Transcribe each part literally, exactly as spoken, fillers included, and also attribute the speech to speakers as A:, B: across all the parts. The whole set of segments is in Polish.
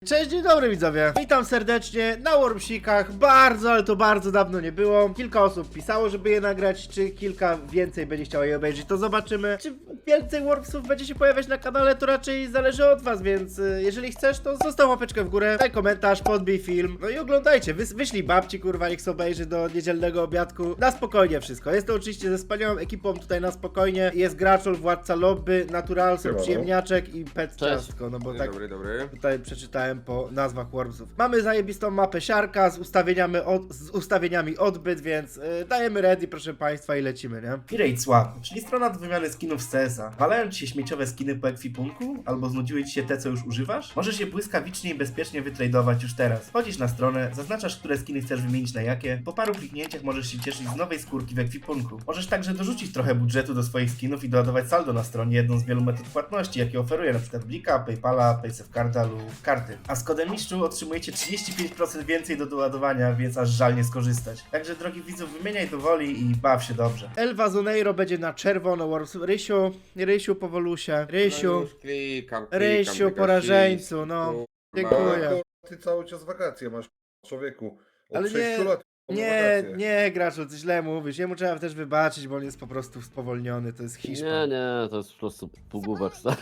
A: Cześć, dzień dobry widzowie, witam serdecznie na Wormsikach. Bardzo, ale to bardzo dawno nie było. Kilka osób pisało, żeby je nagrać, czy kilka więcej będzie chciało je obejrzeć, to zobaczymy. Czy więcej Wormsów będzie się pojawiać na kanale, to raczej zależy od was, więc y, jeżeli chcesz, to zostaw łapeczkę w górę, daj komentarz, podbij film, no i oglądajcie. Wys wyślij babci, kurwa, niech sobie obejrzy do niedzielnego obiadku. Na spokojnie wszystko, jest to oczywiście ze wspaniałą ekipą tutaj na spokojnie. Jest Graczol, Władca Lobby, Naturalson, Przyjemniaczek i Pet Ciastko, no bo
B: Dzień
A: tak
B: dobry, dobry.
A: tutaj przeczytałem po nazwach Wormsów. Mamy zajebistą mapę siarka z ustawieniami, od, z ustawieniami odbyt, więc yy, dajemy ready, proszę państwa, i lecimy, nie? Pirate Swap, czyli strona do wymiany skinów z C S a. Walają ci się śmieciowe skiny po ekwipunku? Albo znudziły ci się te, co już używasz? Możesz je błyskawicznie i bezpiecznie wytradować już teraz. Wchodzisz na stronę, zaznaczasz, które skiny chcesz wymienić na jakie. Po paru kliknięciach możesz się cieszyć z nowej skórki w ekwipunku. Możesz także dorzucić trochę budżetu do swoich skinów i doładować saldo na stronie, jedną z wielu metod płatności, jakie oferuje np. Blika, Paypala, Paysafecarda lub karty. A z kodem mistrzu otrzymujecie trzydzieści pięć procent więcej do doładowania, więc aż żal nie skorzystać. Także drogi widzów, wymieniaj do woli i baw się dobrze. Elva Zoneiro będzie na czerwono. Worms. Rysiu, Rysiu powolusie. Rysiu,
B: No już klikam, klikam,
A: Rysiu,
B: tylko
A: porażeńcu, no.
B: kurwa.
A: Dziękuję.
C: Ty cały czas wakacje masz, człowieku. Od
A: Ale
C: sześciu
A: nie-
C: lat mam
A: Nie,
C: wakacje.
A: nie, Graczu, ty źle mówisz. Jemu trzeba też wybaczyć, bo on jest po prostu spowolniony, to jest Hiszpan.
D: Nie, nie, to jest po prostu półgłówek stary.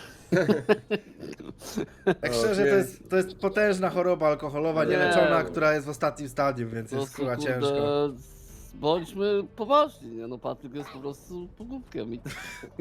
A: Tak
B: O,
A: szczerze, to
B: nie.
A: jest, to jest potężna choroba alkoholowa,
D: Nie.
A: nieleczona, która jest w ostatnim stadium, więc
D: Po
A: jest
D: prostu,
A: chyba
D: kurde,
A: ciężko.
D: bądźmy poważni, nie? No Patryk jest po prostu półgłówkiem i,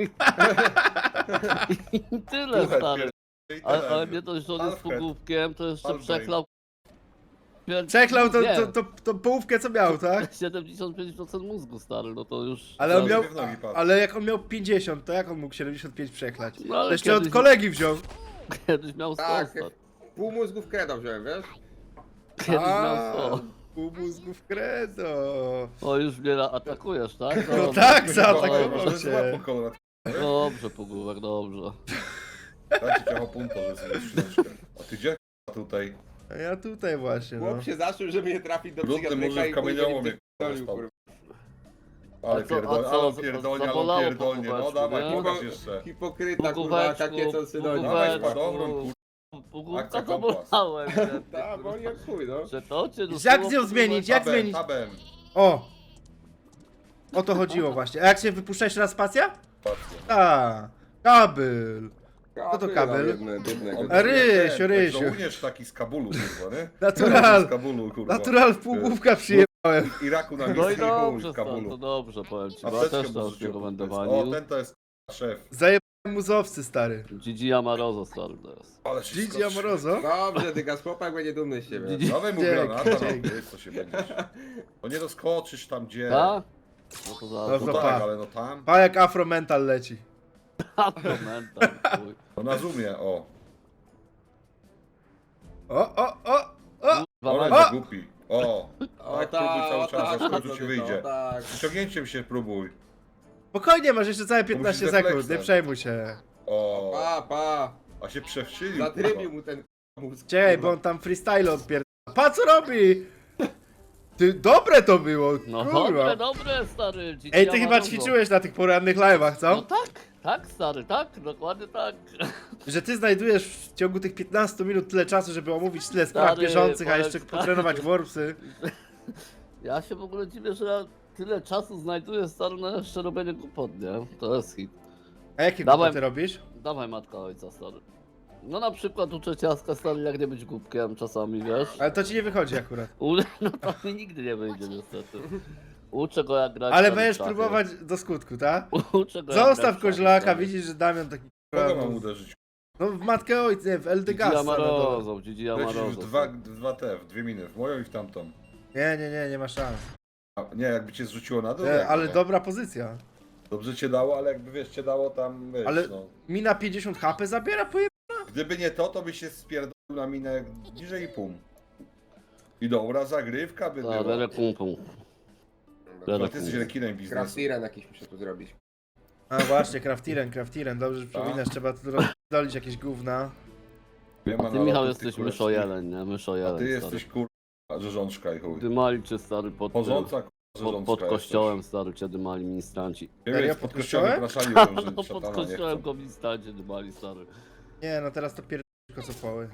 D: i tyle
C: Słuchaj,
D: stary.
C: pierdolę i
D: Ale,
C: tyle.
D: ale nie dość, że on jest
C: Alfred.
D: półgłówkiem, to jeszcze
C: Alfred.
D: przeklał pier-
A: Przeklał to,
D: nie,
A: to, to, to połówkę, co miał, tak?
D: siedemdziesiąt pięć procent mózgu stary, no to już...
A: Ale on
C: Zaraz
A: miał,
C: mnie w nogi padł.
A: ale jak on miał pięćdziesiąt, to jak on mógł siedemdziesiąt pięć przeklać?
D: No, ale
A: To jeszcze od
D: kiedyś-
A: kolegi wziął.
D: Kiedyś miał sto,
B: Tak,
D: stary.
B: pół mózgu w kredą wziąłem, wiesz?
D: Kiedyś
A: A,
D: miał sto.
A: pół mózgów credo.
D: O, już mnie atakujesz, tak?
A: No
D: Dobrze.
A: tak, zaatakował
D: Dobrze.
A: cię.
C: Złapał Konrad.
D: Dobrze, półgłówek, dobrze.
C: Dajcie ciacho punto, że sobie skrzyneczkę. A ty gdzie k***a, tutaj?
A: A ja tutaj właśnie, no.
B: Chłop się zaszył, żeby nie trafić do
C: Brudny
B: psychiatryka
C: murzyn
B: i
C: w kamieniołomie,
B: później pierdolił,
C: kurwa,
B: kurwa.
C: Ale
D: A co- a
C: pierdolnie,
D: co,
C: ale
D: za-
C: pierdolnie, ale
D: zabolało po
C: pierdolnie. No
D: kubeczku,
C: dawaj,
D: nie?
C: pokaż jeszcze.
B: Hipokryta, kurwa,
D: Półgłóweczku,
B: takie co synonim.
C: Dawaj,
D: półgłóweczku.
C: spadowron, kurwa.
D: Półgłówka
C: Akcja
D: to
C: kompas.
D: bolałem.
B: Tak, boli jak chuj, no.
D: Że to cię
A: Jak
D: dostało
A: z nią zmienić? Jak
C: Tabem,
A: zmienić?
C: tabem.
A: O! O to chodziło właśnie. A jak się wypuszcza jeszcze raz spacja? A, kabel. Co to kabel?
B: Biedny, biednego.
C: On
A: A Rysiu,
C: ten,
A: Rysiu.
C: Żołnierz taki z Kabulu, kurwa, nie?
A: Natural.
C: Z Kabulu, kurwa.
A: Natural w półgłówka przyjechałem.
C: Iraku na
D: No
C: miejscu
D: i
C: i chuj
D: dobrze,
C: w
D: stary, to
C: Kabulu.
D: dobrze, powiem ci, bo ja
C: Apteczkę
D: też
C: mu
D: to
C: rzucił.
D: rekomendowaniu.
C: O, ten to jest szef.
A: Zajebałem muzowcy, stary.
D: Gigi Amarozo, stary, to jest.
C: Ale się
A: Gigi
C: skoczy.
A: Amorozo?
B: Dobrze, dygas chłopak będzie dumny z siebie.
D: Gigi-
C: Dawaj mu
A: Dzięki,
C: granata, no,
A: dzięki.
C: wiesz co się będziesz. No nie doskoczysz tam gdzie.
D: Tak? No to
A: No
D: za...
C: No
A: to
C: tak,
A: pa.
C: ale no tam.
A: Pa jak afromental leci.
D: A, to mental, chuj.
C: No na zoomie, o.
A: O, o, o, o!
D: Kurwa,
C: Ale
D: mać-
C: jest głupi. O.
B: O
C: Tak,
B: tak,
C: próbuj cały
B: o
C: czas,
B: tak,
C: aż w końcu
B: o
C: ci
B: tak,
C: wyjdzie.
B: o tak.
C: Ściągnięciem się próbuj.
A: Spokojnie, masz jeszcze całe piętnaście
C: musisz
A: sekund, nie
C: refleksem.
A: przejmuj się.
C: O.
B: Pa, pa.
C: A się przewsilił.
B: Zatrybił mu ten mózg.
A: Czekaj, bo
B: kurwa.
A: on tam freestyle odpierd... Pa co robi? Ty, dobre to było,
D: No
A: kurwa.
D: dobre, dobre, stary. Gigi
A: Ej, ty chyba
D: Amarozo.
A: ćwiczyłeś na tych porannych live'ach,
D: No
A: co?
D: tak, tak, stary, tak, dokładnie tak.
A: Że ty znajdujesz w ciągu tych piętnastu minut tyle czasu, żeby omówić tyle spraw
D: Stary,
A: bieżących, a
D: powiem
A: jeszcze
D: ci tak,
A: potrenować
D: że-
A: worpsy.
D: Ja się w ogóle dziwię, że ja tyle czasu znajduję, stary, na jeszcze robienie głupot, nie? To jest hit.
A: A jakie
D: Dawaj.
A: głupoty robisz?
D: Dawaj matka ojca, stary. No na przykład uczę ciastka, stary, jak nie być głupkiem czasami, wiesz?
A: Ale to ci nie wychodzi akurat.
D: U... No to mi nigdy nie wyjdzie niestety. Uczę go jak grać.
A: Ale
D: stary, w
A: będziesz
D: szachy.
A: próbować do skutku, tak?
D: Uczę go jak grać
A: Zostaw
D: w szachy,
A: koźlaka,
D: stary.
A: widzisz, że Damian taki...
C: Kogo mam uderzyć?
A: No w matkę ojca, nie, w
D: Gigi
A: Eldegasa. No
D: Amarozo, Gigi
C: Lecisz w
D: Amarozo.
C: dwa, dwa te, w dwie miny. W moją i w tamtą.
A: nie, nie, nie, nie ma szans.
C: A, nie, jakby cię zrzuciło na dół.
A: Nie,
C: jakby
A: ale
C: nie.
A: dobra pozycja.
C: Dobrze cię dało, ale jakby wiesz, cię dało tam, wiesz,
A: Ale-
C: no.
A: Mina pięćdziesiąt H P zabiera, poje...
C: Gdyby nie to, to byś się spierdolił na minę niżej i pół. I dobra, zagrywka by
D: Tak,
C: była.
D: rere pum pum.
C: Ale ty jesteś rekinem biznesu.
B: Craftiren jakiś muszę tu zrobić.
A: A właśnie, Craftiren, Craftiren, dobrze, że
C: Tak.
A: przypominasz, trzeba tu rozdolić jakieś gówna.
C: Wiem,
D: A ty, Michał, jesteś myszojeleń, nie? Myszojeleń,
C: A ty
D: stary.
C: jesteś kurwa, rzeżączka i chuj.
D: Dymali cię, stary, pod, tym-
C: Porządca kurwa,
D: pod,
C: rzeżączka
D: pod
C: jesteś.
D: kościołem, stary, cię dymali ministranci.
C: Nie
A: Serio?
C: wiem,
A: Pod
C: pod kościołem
A: kościołem?
C: praszali, że
D: No pod
C: szatana nie
D: kościołem
C: chcą.
D: go ministranci dymali, stary.
A: Nie, no teraz to pierdolę kocopoły.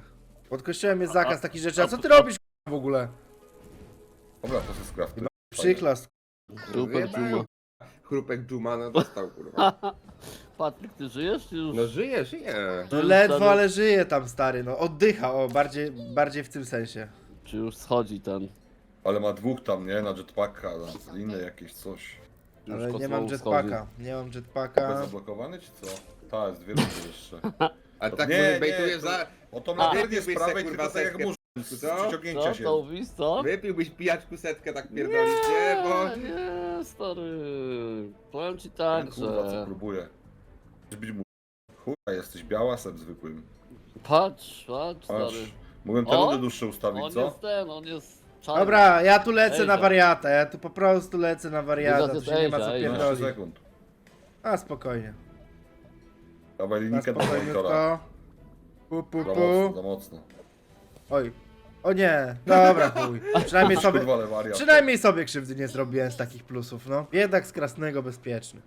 A: Pod kościołem jest zakaz takich rzeczy, a co ty robisz k***a, w ogóle?
C: Dobra, to jest skrafty.
A: Przyklas.
D: Super Dżuma.
B: Chrupek Dżumana dostał, kurwa.
D: Patryk, ty żyjesz czy już?
B: No żyje, żyje.
A: No ledwo, ale żyje tam stary, no oddycha, o, bardziej, bardziej w tym sensie.
D: Czy już schodzi ten?
C: Ale ma dwóch tam, nie? Na jetpacka, na inne jakieś coś.
D: Już
A: Ale nie
D: kosmoł
A: mam
D: schodzi.
A: jetpacka, nie mam
C: Jest
A: jetpacka.
C: zablokowany czy co? Tak, jest dwie rundy jeszcze.
B: A tak
C: Nie,
B: nie,
C: nie,
B: bejtujesz
C: to-
B: za...
C: O to
B: A,
C: ma nie
B: wypiłbyś
C: z prawej,
B: se,
C: tylko
B: kurwa,
C: tak jak
B: setkę,
C: muszę. Z
B: co?
C: przyciągnięcia
D: Co,
C: się.
D: to mówisz, co?
B: Wypiłbyś pijaczku setkę tak pierdolić, nie? Bo...
D: nie, stary. Powiem ci
C: Tak,
D: tak,
C: kurwa, co
D: że...
C: próbuję. Chcesz być mu... Chuja, jesteś białasem zwykłym.
D: Patrz, patrz,
C: Patrz.
D: stary.
C: Mogłem te
D: O!
C: rundy dłuższe ustawić,
D: On
C: co?
D: jest ten, on jest czarny.
A: Dobra, ja tu lecę
D: Ejza.
A: na wariata, ja tu po prostu lecę na wariata,
D: Ejza,
A: tu się nie ma
D: ejza,
A: co
D: ejza.
C: dwanaście
A: pierdolić.
C: sekund.
A: A spokojnie,
C: Dawaj
A: na
C: linijkę do monitora.
A: spokojniutko. Pu, pu,
C: Za mocno,
A: pu.
C: za mocno.
A: Oj, o nie, dobra chuj. Przynajmniej sobie,
C: Kurwa, ale wariat.
A: przynajmniej sobie krzywdy nie zrobiłem z takich plusów, no. Jednak z Krasnego bezpieczny.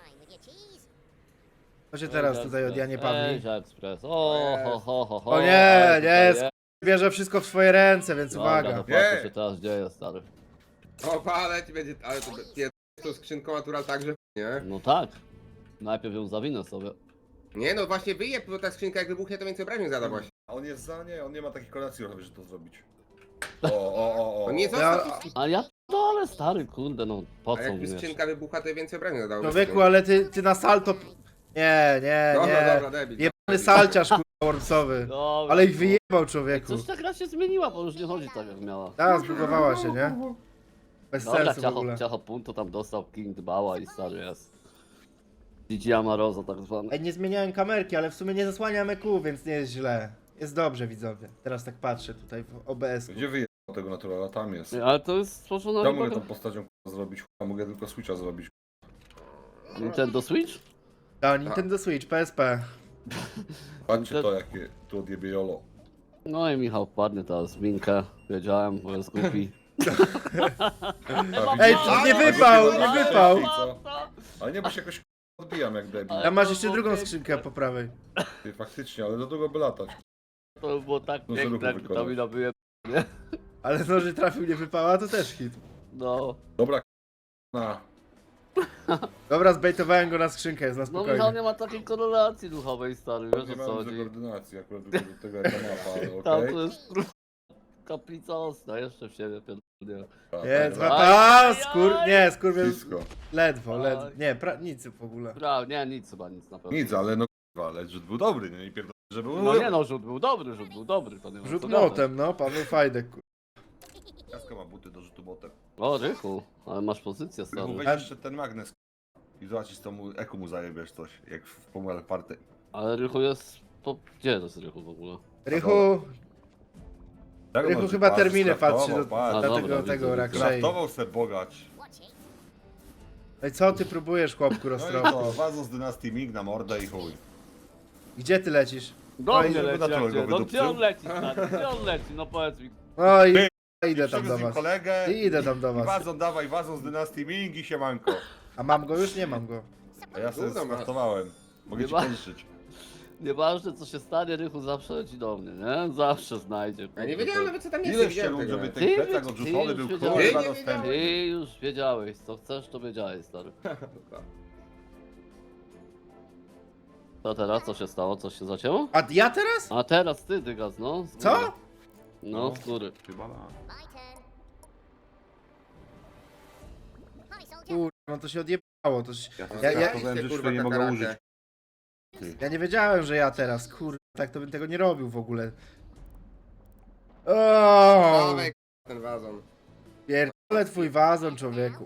A: Co się teraz tutaj od Janie Pawli?
D: Ejza Express. O, ho, ho, ho, ho.
A: O nie,
D: ale
A: nie,
D: tutaj
A: bierze wszystko w swoje ręce, więc
D: Dobra,
A: uwaga.
D: to patrz, co
C: Nie.
D: się teraz dzieje, stary.
B: O, ale ci będzie... Ale to pier... tą skrzynką natural także, nie?
D: No tak. Najpierw ją zawinę sobie.
B: Nie no, właśnie wyjeb, bo ta skrzynka jak wybuchnie, to więcej obrażeń zada właśnie.
C: A on jest za nie, on nie ma takiej kolacji, żeby to zrobić. O, o, o, o.
B: On nie
A: Ja-
B: został...
D: A ja, no ale stary, kurde, no po
B: A
D: co
B: jakby
D: mnie?
B: skrzynka wybucha, to więcej obrażeń zadało.
A: Człowieku, ale ty, ty na salto... Nie, nie,
B: Dobra,
A: nie.
B: dobra, debil.
A: Jebany salciarz, kurwa, wormsowy.
D: Dobra,
A: Ale ich
D: no.
A: wyjebał, człowieku.
D: Coś ta gra się zmieniła, bo już nie chodzi tak jak miała.
A: Ta, zbugowała się, nie? Bez
D: Dobra,
A: sensu w
D: ciacho,
A: ogóle.
D: ciacho punto tam dostał, King dbała i stary jest. G G Amarozo tak zwany.
A: Ej, nie zmieniałem kamerki, ale w sumie nie zasłaniam E Q, więc nie jest źle. Jest dobrze, widzowie. Teraz tak patrzę tutaj w O B S.
C: Gdzie wyjechał tego naturala? Tam jest.
D: Nie, ale to jest stworzona
C: Ja mogę
D: chyba-
C: tą postacią k***a, zrobić, k***a, mogę tylko Switcha zrobić.
D: Nintendo Switch?
A: Ta, Nintendo Switch, P S P.
C: Patrzcie to, jakie tu odjebie Jolo.
D: No i Michał wpadnie teraz w minkę, wiedziałem, bo jest głupi.
A: Ej, to nie wypał, nie wypał.
C: Ale nie, bo się jakoś k***a, odbijam jak debil.
A: Tam masz jeszcze drugą skrzynkę po prawej.
C: Ty, faktycznie, ale do długo by latać.
D: To by było tak
C: No,
D: piękne,
C: żeby
D: jak
C: wykonać.
D: to mi nabyje.
A: Ale no, że trafił, nie wypała, to też hit.
D: No.
C: Dobra, k***a, na.
A: Dobra, zbejtowałem go na skrzynkę, jest na
D: No Michał
A: spokojnie.
D: nie ma takiej korelacji duchowej, stary, wiesz
C: Nie
D: o co
C: mam
D: chodzi.
C: dużo koordynacji akurat do do tego jaka mapa, ale
D: Tam
C: okej.
D: to jest kurwa, kaplica ostra, jeszcze w siebie pierdolnie.
C: Tak,
A: Nie,
C: tak,
A: dwa...
C: tak.
A: A, skór... Nie, skurwiel...
C: Blisko.
A: Ledwo,
D: Aj.
A: ledwo. Nie, pra... nic w ogóle.
D: Bra, nie, nic chyba, nic na pewno.
C: Nic, ale no k***a, ale rzut był dobry, nie? I pierdolę, że był...
D: No nie no, rzut był dobry, rzut był dobry, to nie ma
A: Rzut
D: co gadać.
A: młotem, no, Paweł Fajdek. kur-
C: Jaska ma buty do rzutu botem.
D: O, Rychu, ale masz pozycję,
C: Rychu,
D: stary.
C: weź jeszcze ten magnes i zobaczysz, co mu, eku mu zajebiesz coś, jak w Pomal Party.
D: Ale Rychu jest... Po... Gdzie jest Rychu w ogóle?
A: Rychu,
C: Tak,
A: Rychu
C: może
A: chyba
C: patrz,
A: terminy patrzy do,
C: skraftował,
D: A,
A: do
C: patrz.
D: dobra,
A: tego,
D: widzę,
A: tego
D: widzę.
A: raczej.
C: Kraftował ser bogacz.
A: No i co ty próbujesz, chłopku
C: No i
A: roztropny?
C: to, Wazo z dynastii Ming na mordę i chuj.
A: Gdzie ty lecisz?
D: Do
A: No i
D: mnie
C: żeby
D: leci,
C: na
D: jak
C: czole
D: gdzie?
C: go
D: No
C: wydupcył.
D: gdzie on leci, stary? Gdzie on leci? No powiedz mi.
A: No i
C: Ty,
A: idę tam do
C: Przywiózł mi
A: was.
C: kolegę
A: I idę tam do
C: i
A: was.
C: Wazon dawaj, Wazon z dynastii Ming i siemanko.
A: A mam go już? Nie mam go.
C: A ja sobie
B: Gówno ma.
C: skraftowałem. Mogę
D: Nie
C: ci
D: ma-
C: pożyczyć.
D: Nieważne co się stanie, Rychu zawsze leci do mnie, nie? Zawsze znajdzie.
B: Ja nie
D: kurde,
B: wiedziałem
D: to-
B: nawet co tam jest, nie
C: Ile
B: widziałem
C: chciał,
B: tego.
C: żeby
D: Ty
C: ten plecak
D: wiedzi-
C: odrzutowy
D: ty
C: był
D: już
C: kurwa
B: wiedziałeś.
C: dostępny.
D: Ty już wiedziałeś, co chcesz, to wiedziałeś, stary. Co teraz? Co się stało? Coś się zacięło?
A: A ja teraz?
D: A teraz ty, Dygas, no. z
A: Co?
D: góry. No, z góry.
C: Chyba na.
A: Kurwa, no to się odjebało. To się...
C: Ja,
A: Ja- ja-
C: skraftowałem, że
B: Kurwa,
C: już nie mogę
B: kakarakę.
C: użyć.
A: Ja nie wiedziałem, że ja teraz, kurwa, tak to bym tego nie robił w ogóle. O,
B: Dawaj, ten wazon.
A: pierdolę twój wazon, człowieku.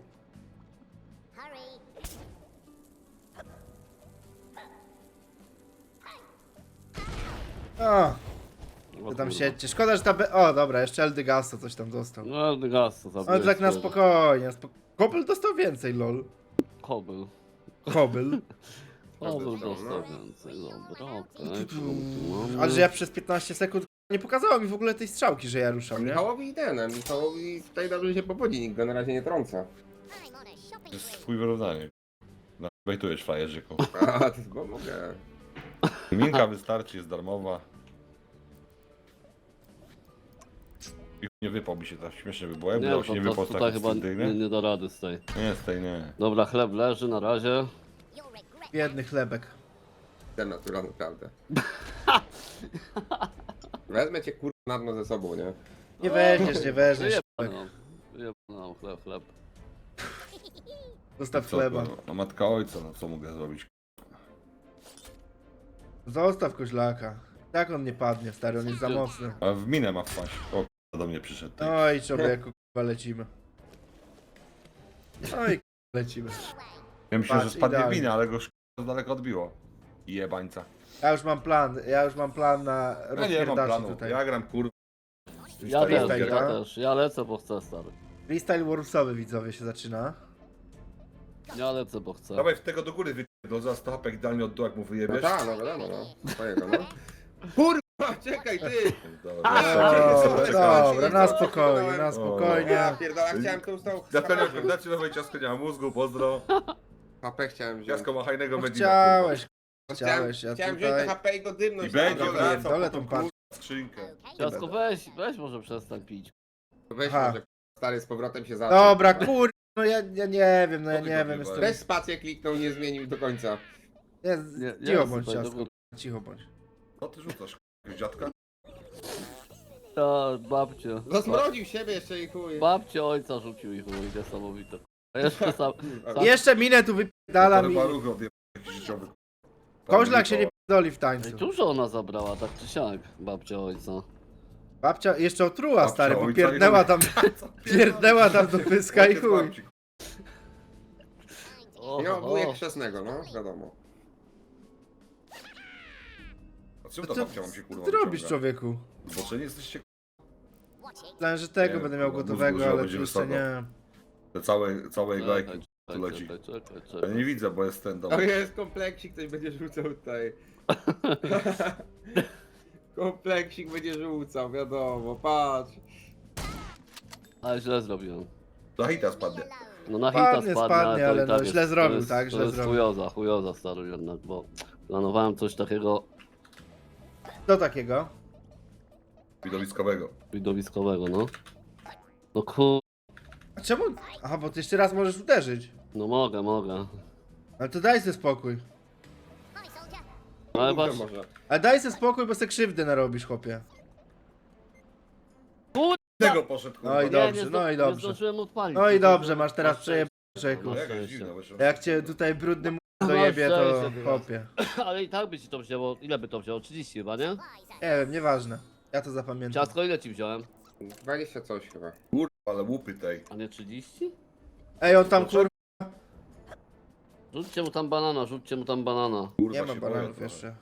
A: O,
D: O
A: ty tam
D: kurwa.
A: siedźcie. Szkoda, że ta... Be... O, dobra, jeszcze Eldygasto coś tam dostał.
D: No, Dygas, to
A: Ale to tak na spokojnie. Spo... Kopel dostał więcej, lol.
D: Kobyl.
A: Kobyl.
D: Kobyl
B: dostał,
D: dostał
B: no.
D: więcej, dobra, okej. kogo tu mamy?
A: Ale że ja przez piętnaście sekund nie pokazało mi w ogóle tej strzałki, że ja ruszam, nie?
B: Michałowi i ten, a Michałowi tutaj dobrze się powodzi, nikt go na razie nie trąca.
C: To jest twój wyrównanie. No, bejtujesz frajerzyku.
B: A, to bo mogę.
C: Minka wystarczy, jest darmowa. Nie wypał mi się, tak śmiesznie by było. Jakby
D: Nie,
C: dało
D: to,
C: się nie
D: to
C: wypał z
D: tutaj
C: takich
D: chyba
C: stylnych,
D: nie,
C: nie?
D: nie da rady z tej.
C: Nie, z tej nie.
D: Dobra, chleb leży na razie.
A: Biedny chlebek.
B: Ten natural, naprawdę. Wezmę cię kurwa na dno ze sobą, nie?
A: Nie weźmiesz, nie weźmiesz.
D: Wyjebano. Wyjebano chleb, chleb.
A: Zostaw
C: Co,
A: chleba.
C: no, no matka ojca, no co mogę zrobić?
A: Zostaw koźlaka. Tak on nie padnie, stary, on jest za mocny.
C: A w minę ma wpaść. O, k***a, do mnie przyszedł. Ty.
A: Oj, człowieku, kurwa, lecimy. Oj, kurwa, lecimy.
C: Ja myślałem, że
A: patrz,
C: spadnie w
A: idealnie.
C: minę, ale go z daleko odbiło. Jebańca.
A: Ja już mam plan, ja już mam plan na
C: Ja nie mam
A: rozpierdaczy
C: planu.
A: tutaj.
C: Ja gram kur...
D: Ja też,
A: freestyle,
D: ja
A: tak?
D: też. Ja lecę, bo chcę, stary.
A: Freestyle Wormsowy, widzowie, się zaczyna.
D: Ja lecę, bo chcę.
C: Dawaj w tego do góry wypierdol, zaraz to hapek idealnie od dołu, jak mu
B: No
C: wyjebiesz.
B: tak, no wiadomo, no. Twojego, no. Kurwa, czekaj ty!
C: Dobra,
A: Dobra,
C: czekaj,
A: dobra, na spokojnie, na
B: Ja
A: spokojnie.
B: pierdolę, chciałem tą stał.
C: Dlatego dlaczego nowej ciastko nie ma mózgu, pozdro.
B: H P chciałem wziąć.
C: Ciastko ma hajnego
A: No
C: medina.
A: chciałeś,
B: Chciałem,
A: chciałeś, ja
B: chciałem wziąć
A: tutaj...
B: to H P i go dymnąć.
C: I będzie
B: na dole.
C: wracał
A: Dole
C: po
A: tą
C: tą
A: patrz.
C: kurwa skrzynkę.
D: Ciasko, weź, weź może przestań pić.
B: Weź
A: Aha.
B: może stary z powrotem się zaczął.
A: Dobra, kur... No ja, ja nie wiem, no ja
C: Co ty
A: nie
C: go
A: wiem,
C: wywaliłeś?
A: jestem...
B: Też spację kliknął, nie zmienił do końca.
A: Nie,
D: Nie,
A: cicho
D: jest
A: bądź,
D: tutaj,
A: ciastko,
D: dobra.
A: cicho bądź.
C: Co ty rzucasz? Jakiegoś dziadka?
D: Ja, babcie.
B: Zasmrodził siebie jeszcze i chuj.
D: Babcie ojca rzucił ich, chuj, niesamowite. A jeszcze sam... sam
A: Jeszcze minę tu wypierdalam i...
C: Parę ruch odjeb... jakiś życiowy.
A: Koźlak się nie pierdoli w
D: Ej,
A: tańcu.
D: dużo ona zabrała, tak czy siak, babcia ojca.
A: Babcia jeszcze otruła,
C: Babcia
A: stary, bo
C: ojca i
A: pierdnęła
C: chuj.
A: tam... Pierdnęła tam do pyska i chuj.
D: O,
B: No, wujek
D: o.
B: chrzestnego, no, wiadomo.
C: A czym
A: Co
C: to
A: ty,
C: babcia mam się kurwa
A: co ty robisz,
C: wyciąga?
A: człowieku?
C: Bo czy nie jesteście
A: Myślałem, że tego
C: Nie,
A: będę miał
C: kurwa,
A: gotowego,
C: mózgu, że
A: ale
C: będzie
A: tu jeszcze
C: wysoko.
A: nie.
C: te całe, całej
D: Czekaj,
C: lajki?
D: czekaj,
C: leci.
D: czekaj, czekaj,
C: Ja
D: czekaj.
C: nie widzę, bo jest ten dom.
B: To jest kompleksik, ktoś będzie rzucał tutaj. Kompleksik będzie rzucał, wiadomo, patrz.
D: Ale źle zrobiłem.
C: Za hita spadnie.
D: No na hita
A: Spadnie,
D: spadnie,
A: spadnie,
D: to
A: ale
D: i tak
A: no,
D: jest,
A: źle zrobił,
D: to jest,
A: tak,
D: to
A: źle
D: jest
A: zrobił.
D: chujoza, chujoza stary jednak, bo planowałem coś takiego
A: Co takiego?
C: Widowiskowego.
D: widowiskowego, no. No kur...
A: A czemu? Aha, bo ty jeszcze raz możesz uderzyć.
D: No mogę, mogę.
A: Ale to daj sobie spokój.
D: No ale
B: Kurde,
D: patrz,
B: może.
A: Ale daj sobie spokój, bo se krzywdy narobisz, chłopie.
C: Tego poszedł kurwa.
A: No i
D: nie,
A: dobrze,
D: nie,
A: no i
D: nie
A: dobrze.
D: zdążyłem odpalić.
A: No i
D: nie
A: dobrze,
D: zdążyłem-
A: masz teraz
D: masz
A: przejeb...
D: szczęście.
A: Człowieku.
C: No
D: Masz
C: jakaś
D: szczęście.
C: dziwna, wiesz,
A: Jak cię tutaj brudny m...
D: Masz
A: dojebie, to
D: szczęście teraz.
A: chłopie.
D: Ale i tak by ci to wzięło, ile by to wzięło? trzydzieści chyba, nie?
A: Nie wiem, nieważne. Ja to zapamiętam.
D: Ciastko ile ci wziąłem?
B: dwadzieścia coś chyba.
C: Kurwa, ale łupy tej.
D: A nie trzydzieści?
A: Ej, on tam kur...
D: Rzućcie mu tam banana, rzućcie mu tam banana.
C: Kurwa,
A: Nie ma
C: się
A: bananów
C: boję
A: jeszcze.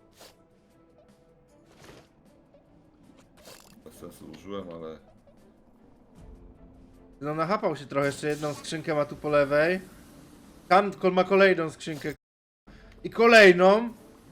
C: trochę. Bez sensu użyłem, ale...
A: No nachapał się trochę, jeszcze jedną skrzynkę ma tu po lewej. Tam kol- ma kolejną skrzynkę. I kolejną.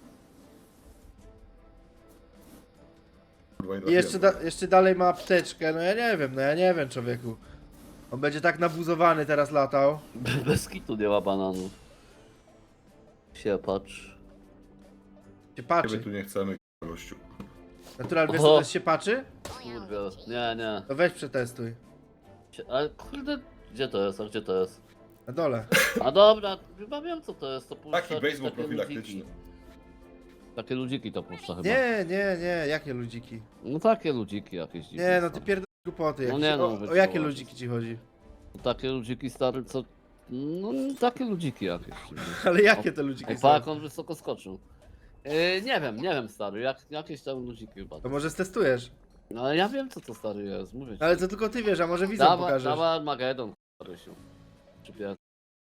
C: Kurwa, nie
A: I
C: trafiłem.
A: jeszcze, da, jeszcze dalej ma apteczkę. No ja nie wiem, no ja nie wiem, człowieku. On będzie tak nabuzowany teraz latał.
D: Bez kitu nie ma bananów. Się patrz.
A: Się
C: Ciebie
A: patrzy.
C: tu nie chcemy, kurwa, gościu.
A: Natural, wiesz
D: Oho.
A: co to jest się patrzy?
D: Kurde, nie, nie.
A: To weź przetestuj.
D: Sie- Ale kurde, gdzie to jest, a gdzie to jest?
A: Na dole.
D: A dobra, chyba wiem co to jest, to puszcza
C: Taki
D: jakieś
C: baseball
D: takie
C: profilaktyczny.
D: ludziki. Takie ludziki to puszcza chyba.
A: Nie, nie, nie, jakie ludziki?
D: No takie ludziki jakieś dziwne
A: Nie, no
D: są.
A: ty pierdol głupoty. Jak
D: No
A: się,
D: nie, no,
A: o, o
D: wytrzymał
A: jakie
D: się.
A: ludziki ci chodzi?
D: Takie ludziki stare co... No takie ludziki jakieś.
A: Ale jakie te ludziki
D: Ej,
A: są?
D: pa, jak on wysoko skoczył. Yy, nie wiem, nie wiem stary, jak, jakieś tam ludziki chyba.
A: To może stestujesz.
D: No ale ja wiem co to stary jest, mówię ci.
A: Ale to tylko ty wiesz, a może widzom
D: Dawa,
A: pokażesz.
D: dawa Armagedon, Rysiu. Czy pier...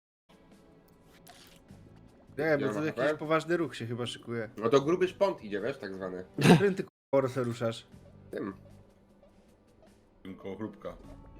A: Nie, bo
B: Ja
A: to
B: mam
A: jakiś
B: HP.
A: poważny ruch się chyba szykuje.
B: No to gruby szpont idzie, wiesz, tak zwany.
A: Którym ty k***o se ruszasz?
B: Tym.
C: Tym koło chrupka.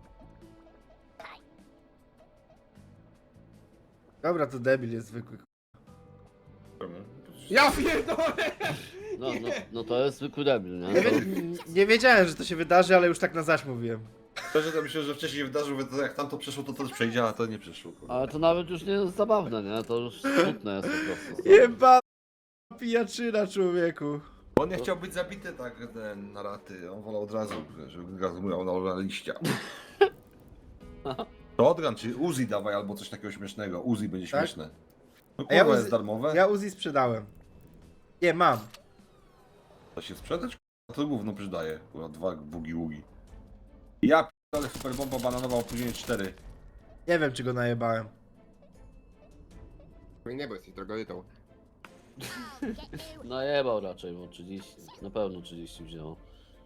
A: Dobra, to debil jest zwykły.
C: Czemu?
B: Ja pierdolę!
D: No, no, no to jest zwykły debil, nie?
A: Nie,
D: To...
A: wie, nie wiedziałem, że to się wydarzy, ale już tak na zaś mówiłem.
C: Szczerze to myślę, że wcześniej się wydarzył, bo to jak tam to przeszło, to to też przejdzie, a to nie przeszło. kurwa.
D: Ale to nawet już nie jest zabawne, nie? To już smutne jest po prostu. stary.
A: Jeba pijaczyna, człowieku.
C: On nie chciał być zabity tak ten, na raty, on wolał od razu, żeby gazumał na liścia. To odgan, czy Uzi dawaj albo coś takiego śmiesznego. Uzi będzie
A: Tak?
C: śmieszne. No
A: A ja
C: kurwa,
A: Uzi-
C: jest darmowe.
A: Ja Uzi sprzedałem. Nie, mam.
C: To się sprzedać? Kurwa, to gówno przydaje. Kurwa, dwa bugi-ługi. Ja ale super bomba bananowa opóźnienie cztery.
A: Nie wiem, czy go najebałem.
B: Nie, bo jesteś drogodytą.
D: Najebał raczej, bo trzydzieści. Na pewno trzydzieści wzięło.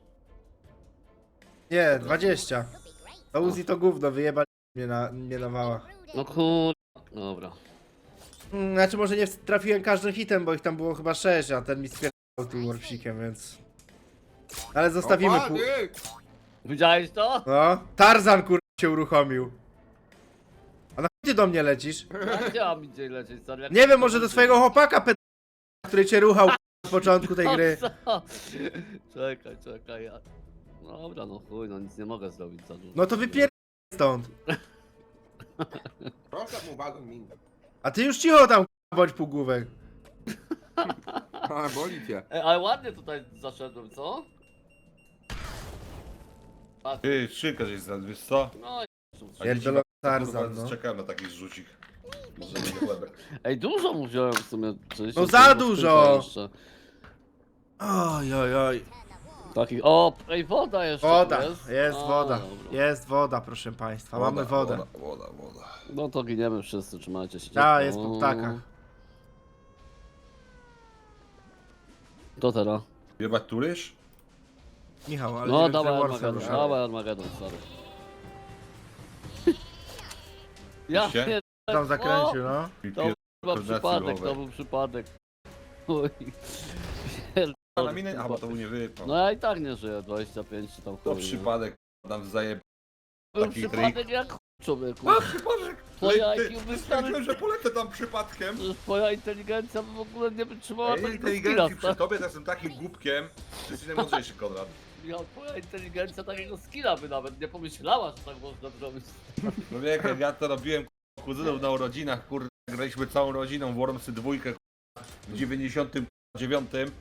A: Nie, dwadzieścia. To Uzi to gówno, wyjebali mnie na, mnie na wała.
D: No kur... Dobra.
A: Mm, Znaczy może nie trafiłem każdym hitem, bo ich tam było chyba sześć, a ten mi spierdał tym warpsikiem, więc... Ale zostawimy
B: Opa,
A: pół...
B: ty!
D: Widziałeś to?
A: No, Tarzan kur... się uruchomił. A na chuj ty do mnie lecisz?
D: Ja nie mam gdzie lecieć, stary. jak-
A: Nie wiem, może do swojego chłopaka ped... który cię ruchał na początku tej gry.
D: O co? Czekaj, czekaj. Ja... Dobra, no chuj, no nic nie mogę zrobić za dużo.
A: No to wypier... stąd.
B: Proszę mu wagon minę.
A: A ty już cicho tam k***a, bądź półgłówek.
B: A, boli cię.
D: Ej, ale ładnie tutaj zaszedłem, co? Patrz,
C: Ty, szynka żeś znalazł, wiesz co?
D: no i...
A: Pierdolony
C: Kurwa,
A: Tarzan, no.
C: czekałem na taki zrzucik. Może będzie chlebek.
D: Ej, dużo mu wziąłem w sumie. trzydzieści
A: No za
D: sekund
A: dużo!
D: jeszcze.
A: Oj, oj, oj.
D: Takich, o, ej, woda jeszcze
A: Woda,
D: tu jest.
A: jest
D: A,
A: woda.
D: dobra.
A: Jest woda, proszę państwa, mamy wodę.
C: Woda, woda, woda.
D: No to giniemy wszyscy, trzymajcie się.
A: Ta,
D: ciepło.
A: jest po ptakach.
D: To teraz.
C: Jebać turysz?
A: Michał, ale nie
D: No
A: wiem,
D: dawaj
A: czy Warsa
D: Armagedon,
A: rusza.
D: dawaj Armagedon, sorry. Ja
C: Oczywiście.
D: pierdolę,
A: Tam zakręcił, no.
C: I
D: To
C: pier-
D: chyba
C: koordynacji
D: przypadek,
C: ruchowej.
D: to był przypadek. Oj. Pierdolę,
C: Na minę, a bo to był nie wypał.
D: No ja i tak nie żyję, dwadzieścia pięć czy tam
C: To
D: chuj, nie?
C: przypadek, tam zajeb...
D: Był
C: taki
D: przypadek jak chuj, człowieku.
C: A, przypadek!
D: Twoja
C: Ty,
D: I Q
C: ty,
D: by
C: stwierdziłem, że polecę tam przypadkiem.
D: Przecież twoja inteligencja by w ogóle nie wytrzymała
C: Ja
D: takiego
C: inteligencji
D: skilla,
C: przy
D: tak?
C: tobie to jestem takim głupkiem, że jesteś najmądrzejszy, Konrad.
D: Ja, twoja inteligencja takiego skilla by nawet nie pomyślała, że tak można zrobić.
C: No wie, jak ja to robiłem k***a, kuzynów na urodzinach, kurde, graliśmy całą rodziną w Wormsy dwójkę k***a, w dziewięćdziesiątym dziewiątym.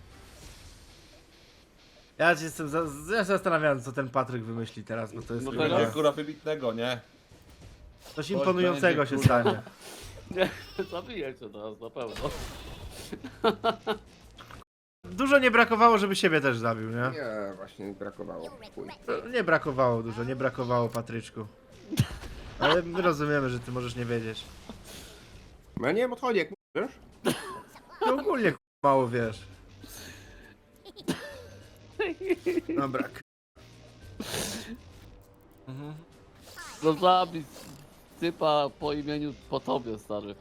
A: Ja się jestem, za, ja się zastanawiam, co ten Patryk wymyśli teraz, bo to jest
D: No
C: To
A: chyba
C: będzie
D: teraz-
C: kurwa wybitnego, nie?
A: coś imponującego
C: będzie,
A: się
C: kurwa.
A: stanie.
D: Nie, zabiję cię teraz na pewno.
A: Dużo nie brakowało, żeby siebie też zabił, nie?
B: Nie, właśnie mi brakowało. Chuj.
A: Nie brakowało dużo, nie brakowało Patryczku. Ale my rozumiemy, że ty możesz nie wiedzieć.
B: No ja nie wiem, odchodzi, jak wiesz?
A: No ogólnie k- mało wiesz. Dobra. k- Mhm.
D: No zabić typa po imieniu po tobie, stary.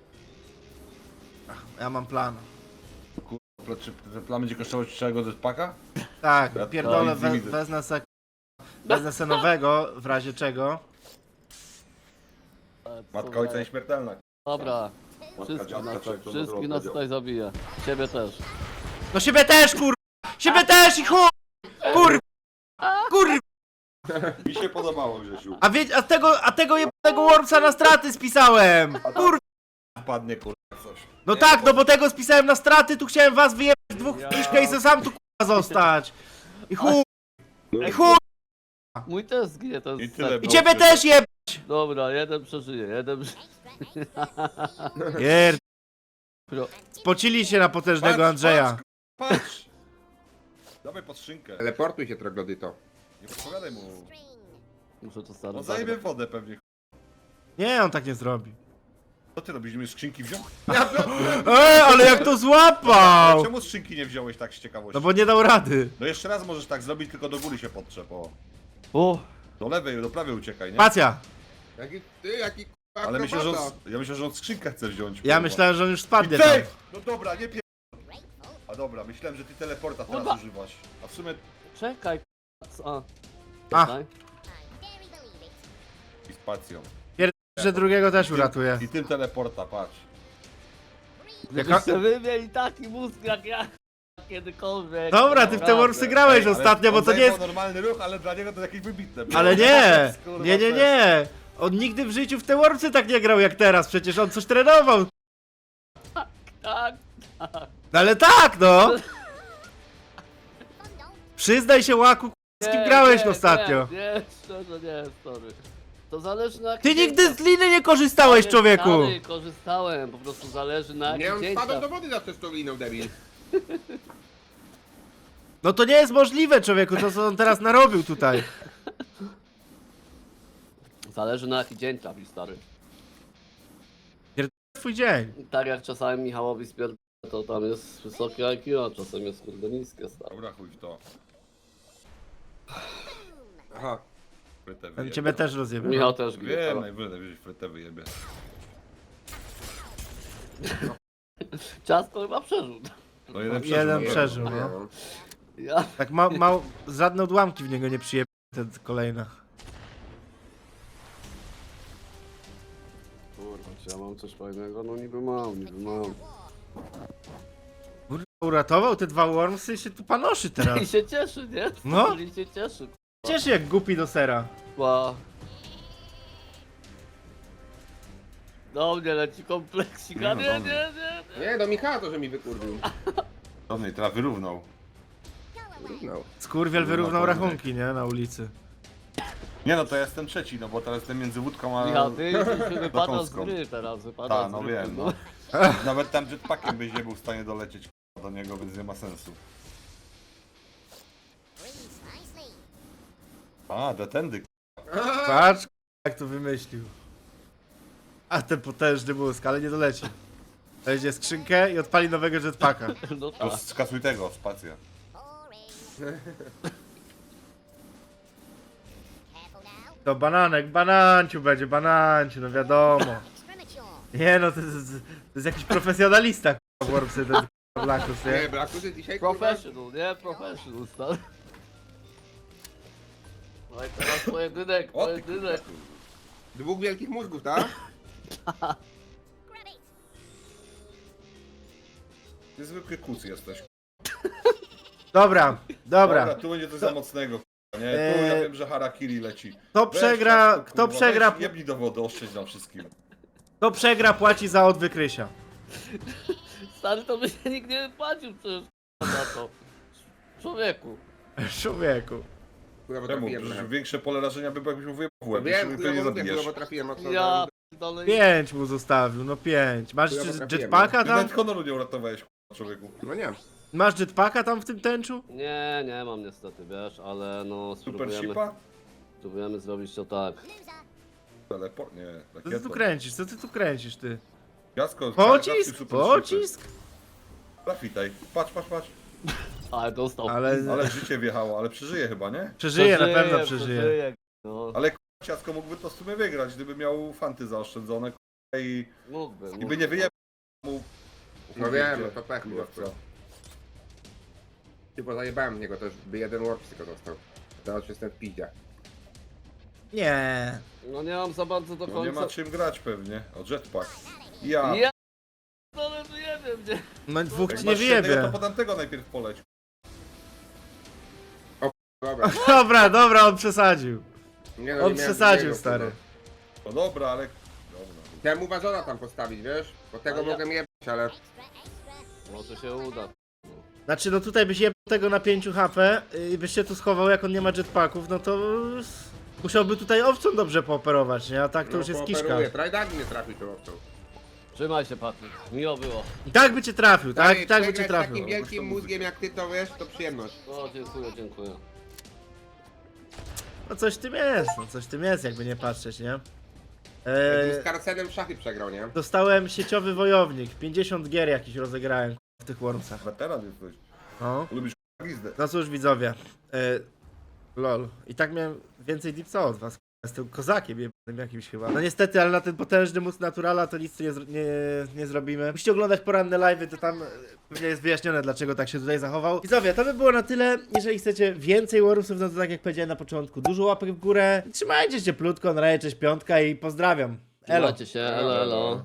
A: Ja mam plan.
C: Kurwa, czy ten plan będzie kosztować trzeciego jetpacka?
A: Tak,
C: Ja
A: pierdolę,
C: to
A: we,
C: widzę.
A: wezmę se... Wezmę se nowego, w razie czego.
D: E, co
C: Matka
D: za-
C: ojca nieśmiertelna.
D: Dobra,
C: Matka
D: wszystkich
C: dziadka,
D: nas,
C: czy jak to
D: wszystkich nas
C: powiedział.
D: tutaj zabiję. Ciebie też.
A: No siebie też, kur... Siebie też i chuj! Kur... Kur...
C: Mi się podobało, Grzesiu.
A: A wie... a tego, a tego jebanego Wormsa na straty spisałem! Kur...
C: Wpadnie kurwa coś.
A: No
C: Nie,
A: tak,
C: bo-
A: no bo tego spisałem na straty, tu chciałem was wyjebać w dwóch
D: Ja.
A: ja. i sam tu kurwa zostać. I chuj, i chuj,
D: Mój też zginie, to
C: I
D: jest
C: tyle
D: set.
A: i ciebie też jeb...
D: Dobra, jeden przeżyje, jeden przeżyje.
A: Pierd...
D: Pro-
A: Spocili się na potężnego
C: Patrz,
A: Andrzeja.
C: Patrz! patrz. Dawaj pod szynkę.
B: Teleportuj się, troglodyto.
C: Nie podpowiadaj mu.
D: Muszę to stary
C: On
D: zabrać.
C: zajmie wodę pewnie.
A: Nie, on tak nie zrobi.
C: Co ty robisz? Mi skrzynki wziął?
A: Ej, ale jak to złapał!
C: Czemu skrzynki nie wziąłeś tak z ciekawości?
A: No bo nie dał rady.
C: No jeszcze raz możesz tak zrobić, tylko do góry się podtrzep, o.
D: O,
C: Do lewej, do prawej uciekaj, nie?
A: Spacja.
B: Jaki ty, jaki k***a
C: Ale myślę, że on,
B: akrobata.
C: ja myślę, że on skrzynkę chce wziąć.
A: Ja
C: kurwa.
A: myślałem, że on już
C: I
A: spadnie tam.
C: ty! No dobra, nie pier... A dobra, myślałem, że ty teleporta teraz
D: Kurwa.
C: używasz. A w sumie...
D: czekaj. A.
A: A.
D: Czekaj.
C: I spacją.
A: Że drugiego też uratuje.
C: I tym teleporta, patrz.
D: Gdybyście wy mieli taki mózg jak ja kiedykolwiek.
A: Dobra, ty w te
D: Naprawdę.
A: Wormsy grałeś
C: Ej, ale
A: ostatnio, bo
C: on
A: to nie
C: zajmował
A: jest...
C: normalny ruch, ale dla niego to jakieś wybitne.
A: Ale nie!
C: Kurwa,
A: Nie, nie,
C: też.
A: nie! On nigdy w życiu w te Wormsy tak nie grał jak teraz, przecież on coś trenował.
D: Tak.
A: No ale tak, no! Przyznaj się, Łaku, z kim
D: Nie,
A: grałeś
D: nie,
A: ostatnio?
D: Nie, nie, szczerze nie, sorry. To zależy na
A: Ty
D: jakich
A: nigdy z
D: dzięciach-
A: liny nie korzystałeś,
D: Ale
A: człowieku!
D: stary, korzystałem, po prostu zależy na
B: Nie,
D: jakich
B: on
D: dzięciach.
B: spadł do wody zawsze z tą liną, debil.
A: No to nie jest możliwe, człowieku, to co on teraz narobił tutaj.
D: Zależy na jaki dzień trafi, stary.
A: Twój dzień.
D: Tak jak czasami Michałowi spierdolę, to tam jest wysokie I Q, a czasem jest kurde niskie, stary.
C: Dobra, chuj w to.
B: Aha.
C: Frytę
A: Ten
C: wyjebie.
A: ciebie też rozjebie.
D: Michał też gry.
C: Wiem, najwyżej, najwyżej frytę wyjebie.
D: Ciasto chyba przeżył.
C: No jeden przeżył.
A: Jeden
C: no,
A: przeżył,
B: Nie
A: no.
B: wiem.
D: Ja...
A: Tak ma, ma, żadne odłamki w niego nie przyjebie, ten kolejna.
D: Kurwa, czy ja mam coś fajnego? No niby mam, niby mam.
A: Kurwa, uratował te dwa wormsy i się tu panoszy
D: I
A: teraz.
D: się cieszy, nie?
A: No.
D: I się cieszy.
A: Cieszy jak głupi do sera.
D: Kurwa. Do mnie leci kompleksik, a
C: Nie,
D: nie,
C: no,
D: nie, nie, nie.
B: Nie, do Michała to, że mi wykurwił.
C: Dobry, teraz wyrównał.
B: No.
A: Skurwiel
C: Kurwa,
A: wyrównał
C: pojedynek.
A: rachunki, nie? Na ulicy.
C: Nie no, to ja jestem trzeci, no bo teraz jestem między wódką a...
D: Michał, ty już wypadasz z
C: Dokąską.
D: gry teraz, wypadasz
C: Ta,
D: z
C: no
D: gry.
C: wiem, no. Nawet tam jetpackiem byś nie był w stanie dolecieć k***a, do niego, więc nie ma sensu. A, detendy.
A: Patrz, jak to wymyślił. A ten potężny mózg, ale nie doleci. Weźmie skrzynkę i odpali nowego jetpacka.
D: No
C: To
D: tak.
C: skasuj tego, spacja.
A: To bananek, bananciu będzie, bananciu, no wiadomo. Nie no, to jest, to jest jakiś profesjonalista, k***a, Wormsy, ten k***a Blackus,
B: Nie,
A: nie?
B: Blakusy dzisiaj kurwa.
D: Professional, nie? Professional, stary. No i teraz pojedynek,
C: O ty
D: pojedynek.
B: Dwóch wielkich mózgów, tak?
C: Ty zwykły kuc jesteś.
A: Dobra, dobra.
C: Dobra, tu będzie coś za mocnego, k***a, nie? Tu ja
A: Eee,
C: wiem, że harakiri leci.
A: Kto
C: Weź
A: przegra,
C: ciasto,
A: kto
C: kurwa,
A: przegra,
C: weź, jebnij do wody, oszczędź nam wszystkim.
A: kto przegra płaci za odwyk Rysia.
D: Stary, to by się nikt nie płacił przecież za to. Człowieku.
A: Człowieku.
B: Kurwa, bo
C: Czemu?
B: trafiłem.
C: Przecież
B: na-
C: większe pole rażenia by jakbyś mu wyjebał w łeb,
B: Wiem,
C: jeśli
B: kurwa,
C: mnie
B: bo
C: pewnie
B: mówię,
C: zabijesz.
B: kurwa, bo trafiłem mocno.
D: Ja dalej.
A: Pięć mu zostawił, no pięć. Masz
B: Chujowo
A: jeszcze
B: trafiłem,
A: jetpacka
C: Ty
A: tam?
C: nawet honoru nie uratowałeś, k***a, człowieku.
B: No nie.
A: Masz jetpacka tam w tym tęczu?
D: Nie, nie mam niestety, wiesz, ale no
C: Super
D: spróbujemy,
C: shipa?
D: spróbujemy zrobić to tak.
C: Teleport? Nie,
A: Co ty tu
C: rakietą.
A: kręcisz? Co ty tu kręcisz, ty?
C: Jasko,
A: Pocisk?
C: super
A: Pocisk?
C: Trafitaj. Patrz, patrz, patrz.
D: Ale dostał.
A: Ale
C: Ale życie wjechało, ale przeżyje chyba, nie?
A: przeżyje, na pewno przeżyje.
D: No,
C: Ale k***a, Ciasko mógłby to w sumie wygrać, gdyby miał fanty zaoszczędzone k***a, i,
D: mógłby,
C: i by
D: mógłby.
C: nie wyjebał mu...
B: No wiem, no to pech po
C: Kurwa,
B: prostu. Ty, bo zajebałem w niego, to już by jeden warp tylko dostał. Teraz już jestem w piździe.
A: Nie.
D: No nie mam za bardzo do
C: No nie
D: końca.
C: ma czym grać pewnie. O, jetpack. Ja.
D: Ja... No ale nie wiem, nie.
A: No dwóch
C: Jak
A: ci nie
C: masz jednego,
A: wyjebie.
C: to po tamtego najpierw poleć.
B: Dobra.
A: Dobra, dobra, on przesadził.
B: Nie, no,
A: On
B: nie miałem
A: przesadził,
B: drugiego,
A: stary.
B: kurwa.
C: No dobra, ale... Dobra.
B: Chciałem mu wazona tam postawić, wiesz? Bo tego
D: A ja-
B: mogę jebać, ale...
D: Może się uda.
A: Znaczy, no tutaj byś jebał tego na pięć H P i byś się tu schował, jak on nie ma jetpacków, no to musiałby tutaj owcą dobrze pooperować, nie? A tak to
B: no,
A: już jest kiszka.
B: pooperuję. Trajdagi nie trafił tą owcą.
D: Trzymaj się, Patryk. Miło było.
A: I tak by cię trafił, tak?
B: Stary,
A: I tak by cię
B: przegrać z
A: trafił.
B: takim wielkim mózgiem jak ty to wiesz, to przyjemność.
D: No, dziękuję, dziękuję.
A: No coś w tym jest, no coś w tym jest, jakby nie patrzeć, nie?
B: Eee... Z
A: Eee,
B: Karsenem w szachy przegrał, nie?
A: dostałem sieciowy wojownik, pięćdziesiąt gier jakiś rozegrałem w tych Wormsach.
C: Weteran jesteś.
A: No.
C: Lubisz k***a glizdę.
A: No cóż widzowie, e, lol. I tak miałem więcej dipsa od was. Jestem kozakiem jebanym jakimś chyba. No niestety, ale na ten potężny mózg naturala to nic tu nie, zro- nie, nie zrobimy. Musicie oglądać poranne live'y, to tam e, pewnie jest wyjaśnione, dlaczego tak się tutaj zachował. Widzowie, to by było na tyle. Jeżeli chcecie więcej Wormsów, no to tak jak powiedziałem na początku, dużo łapek w górę. Trzymajcie się cieplutko, na razie cześć piątka i pozdrawiam. Elo.
D: Trzymajcie się, elo, elo.